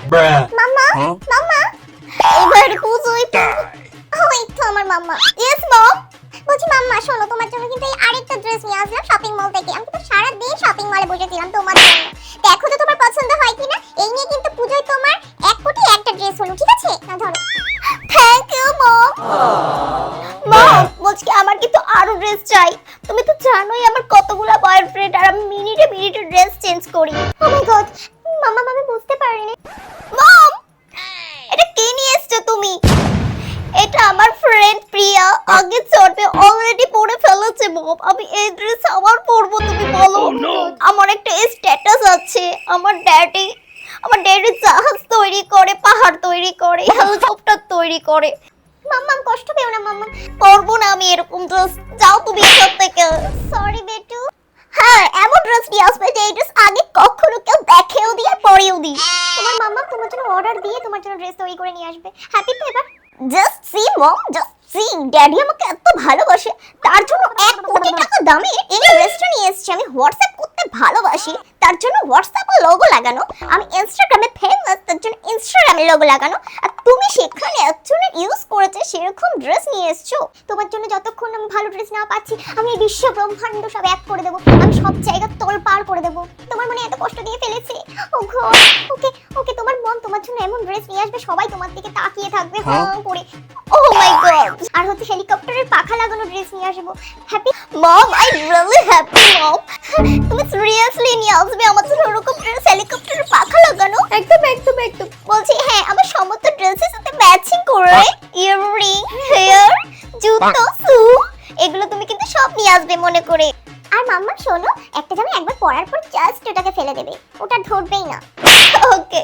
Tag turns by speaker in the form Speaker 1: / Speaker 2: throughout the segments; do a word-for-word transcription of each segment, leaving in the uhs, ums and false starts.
Speaker 1: মাম্মা মাম্মা এবার পুজোই ওই তো আমার মাম্মা। Yes mom. বলছি মাম্মা শোনো, তোমার জন্য কিন্তু এই আরেকটা ড্রেস নিয়ে আসলাম শপিং মল থেকে। আমি তো সারা দিন শপিং মলে বসেছিলাম তোমার জন্য। দেখো তো তোমার পছন্দ হয় কিনা। এই নিয়ে কিন্তু পুজোয় তোমার এক কোটি একটা ড্রেস হলো, ঠিক আছে? না ধরো। Thank you mom. মম বলছি আমার কিন্তু আরো ড্রেস চাই। তুমি তো জানোই আমার কতগুলো বয়ফ্রেন্ড, আর আমি মিনিটে মিনিটে ড্রেস চেঞ্জ করি। ও মাই গড মাম্মা, আমি বুঝতে পারিনি। মম এটা কি নিয়ে এসেছো তুমি? এটা আমার ফ্রেন্ড প্রিয়া আগে চড়বে অলরেডি পরে ফেলেছে মম। আমি এই ড্রেস আবার পরবো, তুমি বলো। আমার একটা স্ট্যাটাস আছে, আমার ড্যাডি আমার ড্যাডি জাহাজ তৈরি করে, পাহাড় তৈরি করে, হেলিকপ্টার তৈরি করে। মাম্মা কষ্ট পেও না মাম্মা, পরবো না আমি এরকম ড্রেস। যাও তুমি এখান থেকে। সরি বেটু। হ্যাঁ এমন ড্রেস নিয়ে আসবে যে এই ড্রেস আগে কখনো কেউ দেখেও দিয়ে পরেও দি। তোমার মাম্মা তোমার জন্য অর্ডার দিয়ে তোমার জন্য ড্রেস তৈরি করে নিয়ে আসবে। হ্যাপি তো এবার? Just see mom, just see. Daddy আমাকে এত ভালোবাসে, তার জন্য এক কোটি টাকা দামে এই ড্রেসটা নিয়ে এসেছি। আমি হোয়াটসঅ্যাপ করতে ভালোবাসি, তার জন্য হোয়াটসঅ্যাপে লোগো লাগানো। আমি ইনস্টাগ্রামে ফেমাস, তার জন্য ইনস্টাগ্রামে লোগো লাগানো। আর তুমি সেখানে একজনের ইউজ করেছে সেরকম ড্রেস নিয়ে এসেছো। তোমার জন্য যতক্ষণ আমি ভালো ড্রেস না পাচ্ছি, আমি এই বিশ্ব ব্রহ্মাণ্ড সব এক করে দেবো। আমি সব জায়গা তোলপাড় করে দেবো। তোমার মনে এত কষ্ট দিয়ে ফেলেছে। ও গড। ওকে ওকে তোমার মন তোমার জন্য এমন ড্রেস নিয়ে আসবে, সবাই তোমার দিকে তাকিয়ে থাকবে হাঁ করে। ও মাই গড। আর হচ্ছে হেলিকপ্টারের পাখা লাগানো ড্রেস নিয়ে আসবো। Happy mom, I really happy mom. তুমি সিরিয়াসলি নিয়ে আসবে আমার জন্য ওরকম ড্রেস হেলিকপ্টারের পাখা লাগানো? একদম একদম একদম। বলছি হ্যাঁ আমার সমস্ত ড্রেসের সাথে ম্যাচিং করে ইয়াররিং, হেয়ার, জুতো, শু এগুলো তুমি কিন্তু সব নিয়ে আসবে মনে করে। আর মাম্মা শোনো, একটা জামা একবার পরার পর জাস্ট ওটাকে ফেলে দেবে, ওটা ধরবেই না। ওকে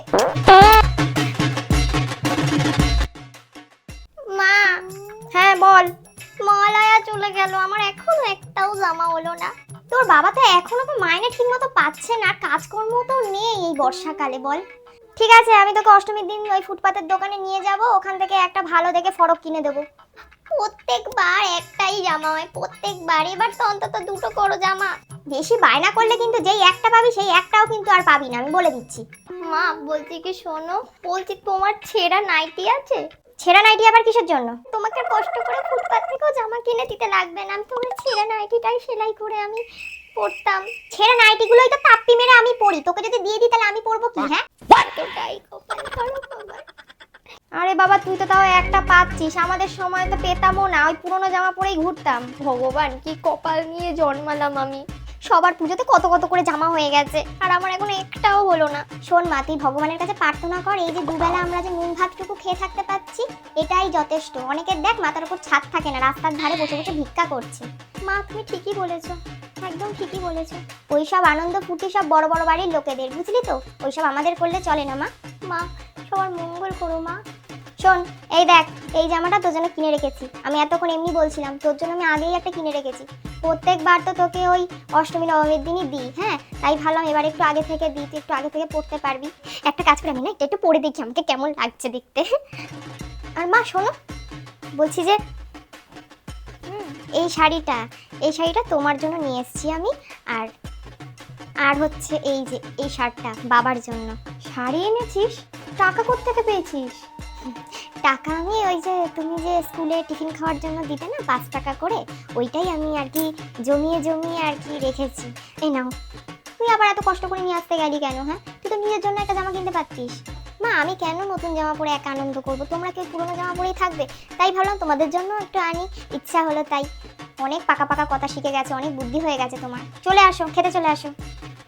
Speaker 1: মা। হ্যাঁ বল। মলায়া চলে গেল, আমার এখনো একটাও জামা হলো না। তোর বাবা তো এখনো তো মাইনে ঠিকমতো পাচ্ছে না, কাজকর্ম তো নেই এই বর্ষাকালে। বল ঠিক আছে, আমি তোকে অষ্টমীর দিন ওই ফুটপাতের দোকানে নিয়ে যাব, ওখান থেকে একটা ভালো দেখে ফরক কিনে দেবো। প্রত্যেকবার একটাই জামা হয়, প্রত্যেকবার। এবার তো অন্তত দুটো করো জামা। বেশি বায়না করলে কিন্তু যেই একটা পাবি সেই একটাও কিন্তু আর পাবি না, আমি বলে দিচ্ছি। মা বলছি কি শোনো, বলছি তোমার ছেঁড়া নাইটি আছে? ছেঁড়া নাইটি আবার কিসের জন্য? তোমাকে কষ্ট করে ফুটপাত থেকেও জামা কিনে দিতে লাগবে না, আমি তোমার ছেঁড়া নাইটিটাই সেলাই করে আমি পরতাম। ছেঁড়া নাইটিগুলোই তো তাপ্পি মেরে আমি পরি, তোকে যদি দিয়ে দিই তাহলে আমি পরবো কি? হ্যাঁ এতটাই কপাল খারাপ আমার। আরে বাবা তুই তো তাও একটা পাচ্ছিস, আমাদের সময় তো পেতামও না, ওই পুরোনো জামা পরেই ঘুরতাম। ভগবান কি কপাল নিয়ে জন্মালাম আমি। সবার পুজোতে কত কত করে জামা হয়ে গেছে, আর আমার এখন একটাও হলো না। শোন মা, তুই ভগবানের কাছে প্রার্থনা কর এই যে দুবেলা আমরা যে নুন ভাতটুকু খেয়ে থাকতে পাচ্ছি এটাই যথেষ্ট। অনেকের দেখ মাথার উপর ছাদ থাকে না, রাস্তার ধারে বসে বসে ভিক্ষা করছে। মা তুমি ঠিকই বলেছো, একদম ঠিকই বলেছো। ওইসব আনন্দ ফুর্তি সব বড় বড় বাড়ির লোকেদের, বুঝলি তো? ওইসব আমাদের করলে চলে না মা। মা সবার মঙ্গল করো মা। শোন এই দেখ, এই জামাটা তোর জন্য কিনে রেখেছি। আমি এতক্ষণ এমনি বলছিলাম, তোর জন্য আমি আগেই একটা কিনে রেখেছি। প্রত্যেকবার তো তোকে ওই অষ্টমী নবমীর দিনই দিই, হ্যাঁ তাই ভাবলাম এবার একটু আগে থেকে দিই, তুই একটু আগে থেকে পড়তে পারবি। একটা কাজ করে আমি না এটা একটু পরে দেখি আমাকে কেমন লাগছে দেখতে। আর মা শোনো, বলছি যে এই শাড়িটা এই শাড়িটা তোমার জন্য নিয়ে এসেছি আমি। আর আর হচ্ছে এই যে এই শার্টটা বাবার জন্য। শাড়ি এনেছিস? টাকা কোথা থেকে পেয়েছিস? টাকা আমি ওই যে তুমি যে স্কুলে টিফিন খাওয়ার জন্য দিতে না পাঁচ টাকা করে, ওইটাই আমি আর কি জমিয়ে জমিয়ে আর কি রেখেছি। এই নাও। তুই আবার এত কষ্ট করে নিয়ে আসতে গেলি কেন? হ্যাঁ তুই তো নিজের জন্য একটা জামা কিনতে পারতিস। মা আমি কেন নতুন জামা পরে একা আনন্দ করবো, তোমরা কেউ পুরোনো জামা পরেই থাকবে, তাই ভাবলাম তোমাদের জন্য একটু আনি, ইচ্ছা হলো তাই। অনেক পাকা পাকা কথা শিখে গেছে, অনেক বুদ্ধি হয়ে গেছে তোমার। চলে আসো, খেতে চলে আসো।